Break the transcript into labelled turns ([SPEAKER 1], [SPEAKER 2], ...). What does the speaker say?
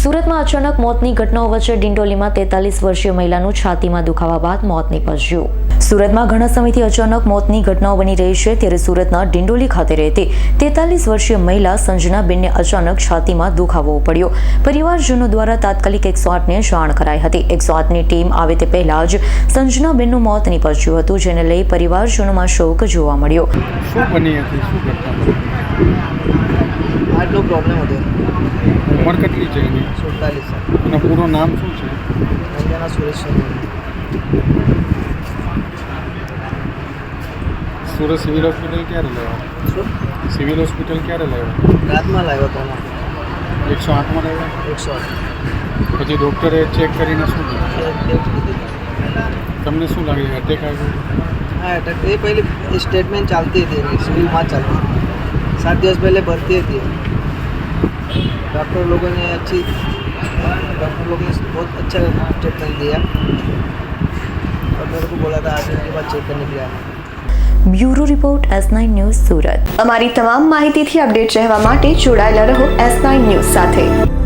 [SPEAKER 1] સુરતમાં અચાનક મોતની ઘટનાઓ વચ્ચે ડિંડોલીમાં 43 વર્ષીય મહિલાનું છાતીમાં દુખાવા બાદ મોત નીપજ્યું। સુરતમાં ઘણા સમયથી અચાનક મોતની ઘટનાઓ બની રહી છે, ત્યારે સુરતના ડિંડોલી ખાતે રહેતી 43 વર્ષીય મહિલા સંજનાબેનને અચાનક છાતીમાં દુખાવો પડ્યો। પરિવારજનો દ્વારા તાત્કાલિક 108ને જાણ કરાઈ હતી। 108ની ટીમ આવે તે પહેલા જ સંજનાબેનનું મોત નીપજ્યું હતું, જેને લઈ પરિવારજનોમાં શોક જોવા મળ્યો।
[SPEAKER 2] શું બની હતી, શું ઘટના બની?
[SPEAKER 3] આટલો પ્રોબ્લેમ હતો।
[SPEAKER 2] ઉંમર કેટલી છે એની?
[SPEAKER 3] 47 સાલ।
[SPEAKER 2] એનું પૂરું નામ શું છે?
[SPEAKER 3] અંજના સુરેશ સોની।
[SPEAKER 2] સુરત સિવિલ હોસ્પિટલ ક્યારે લાવ્યા?
[SPEAKER 3] શું
[SPEAKER 2] સિવિલ હોસ્પિટલ ક્યારે લાવ્યા?
[SPEAKER 3] રાતમાં લાવ્યો હતો એમાં
[SPEAKER 2] 108માં લાવ્યા?
[SPEAKER 3] 108
[SPEAKER 2] પછી ડૉક્ટરે ચેક કરીને શું કીધું?
[SPEAKER 3] ટેક્સ કીધી।
[SPEAKER 2] તમને શું લાગે અટેક આવ્યો?
[SPEAKER 3] हाँ अटैक ये पहले स्टेटमेंट चलती थी सिविल में चलती 7 दिवस पहले भर्ती थी। डॉक्टर लोगों ने बहुत अच्छा स्टेटमेंट दिया और मेरे को बोला था 8 दिन के बाद चेक करने के लिए आना।
[SPEAKER 1] Bureau report S9 news Surat.
[SPEAKER 4] અમારી તમામ માહિતીથી અપડેટ રહેવા માટે જોડાયેલા રહો S9 ન્યૂઝ સાથે।